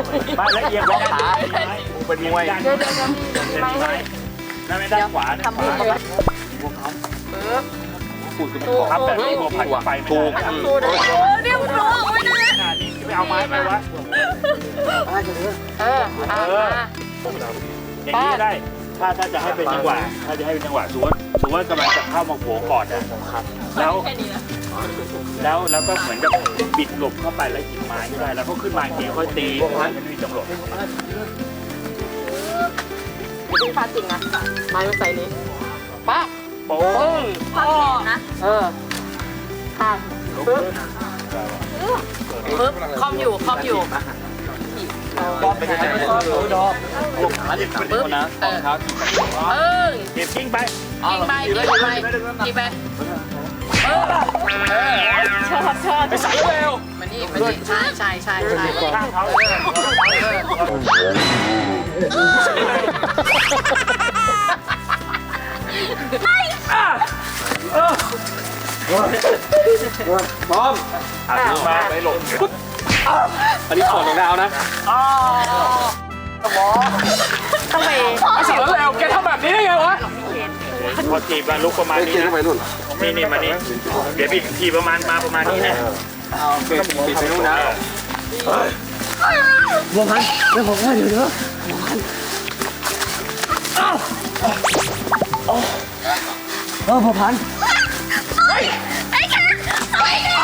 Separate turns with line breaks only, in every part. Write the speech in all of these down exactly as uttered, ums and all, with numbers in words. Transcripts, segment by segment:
บ้านละเอียดบ้านขาเป็นมวยเดี๋ยวเดี๋ยวไม่ให้ด้านไม่ด้านขวาทำมือมาพวกเขาเออปูดคือมันขอบแบบนี้ผัดไฟถูกถูกโอ้เดี๋ยวร้องไม่ได้ขนาดนี้ไปเอาไม้ไปวะเออเอออย่างนี้ได้ถ้าถ้าจะให้เป็นจังหวะถ้าจะให้เป็นจังหวะสมมติสมมติว่ากำลังจะเข้ามาโผล่ก่อนนะครับแล้วแล้วแล้วก็เหมือนกับบิดหลบเข้าไปแล้วหยิบไม้ไม่ได้แล้วก็ขึ้นมาเกี่ยวค่อยตีมันไม่มีจังหวะ
เป็นฟาจริงนะไม้ใส่นี้ป้า
โป้ง
พ่อนะเออค่ะปึ๊บปึ๊บคอมอยู่คอมอยู่
ดอกเป็นไงดอกลงขาเด็กปึ๊บนะเออเออเก็บกิ้งไป
กิ้งไปกิ้งไปกิ้งไปเออชอบชอบ
ไปใส่เร็ว
มานี่มานี่ใช่ใช่ใช่ใช่
ข้างเขาพร้อมอ่ะมาไปหลบอันนี้ถอดรองเท้านะอ๋อหมอ
ทำไม
ไม่ใส่แล้วแล้วแกทำแบบนี้ได้ไงวะพอทีมาลุกประมาณนี้นะนี่นี่มานี่เดี๋ยวบีบทีประมาณมาประมาณนี้นะเอาเปลี่ยนบีบไปนู่นนะบัวพันแล้วผมว่าเดี๋ยวเดี๋ยวบัวพันอ้าวโอ้เออบัวพันไอ้ไอ้แค่ไอ้แค่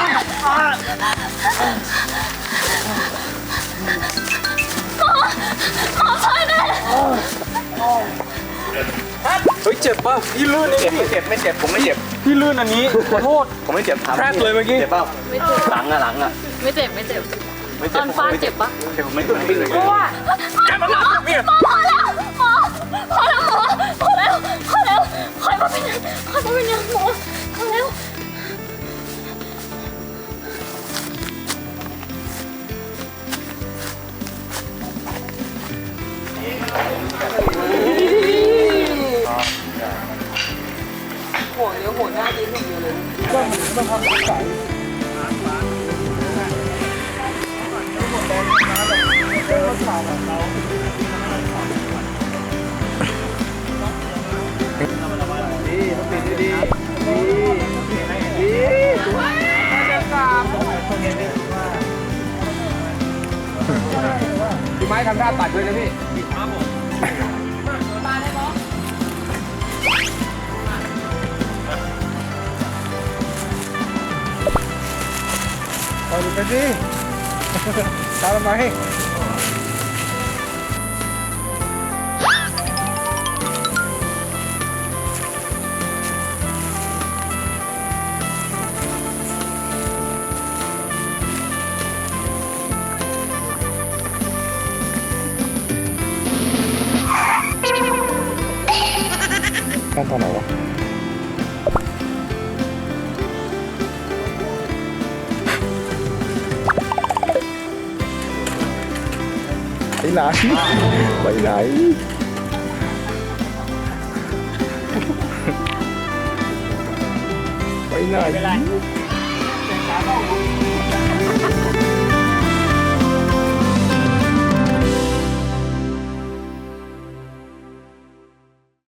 เฮ้ยเจ็บป่ะพี่ลื่นนี่ไม่เจ็บไม่เจ็บผมไม่เจ็บพี่ลื่นอันนี้ขอโทษผมไม่เจ็บแครกเลยเมื่อกี้เจ็บป่ะไม่เจ็บหลังอะหลังอะ
ไม่เจ็บไม่เจ็บตอนฟาดเจ็บป่ะ
เจ็บไม่เจ็บไม่เจ็บแกมาหลังเนี่ย
พอแล้วพอพอแล้วหมอพอแล้วพอแล้วคอยมาเป็นคอยมาเป็นยังหมอพอแล้วหัวเนี้ยหัวหน้ายิ้มอย่างเดียวเลยก็มันต้องทำใส่ดีต้องปิดดีดีดีดีสวยจะสามพี่ไม้ทำท่าตัดด้วยนะพี่ครับผมมาได้ปะเอาดูกันสิตามมาให้ขั้นตอนไหนวะไปไหนไปไหนไปไหน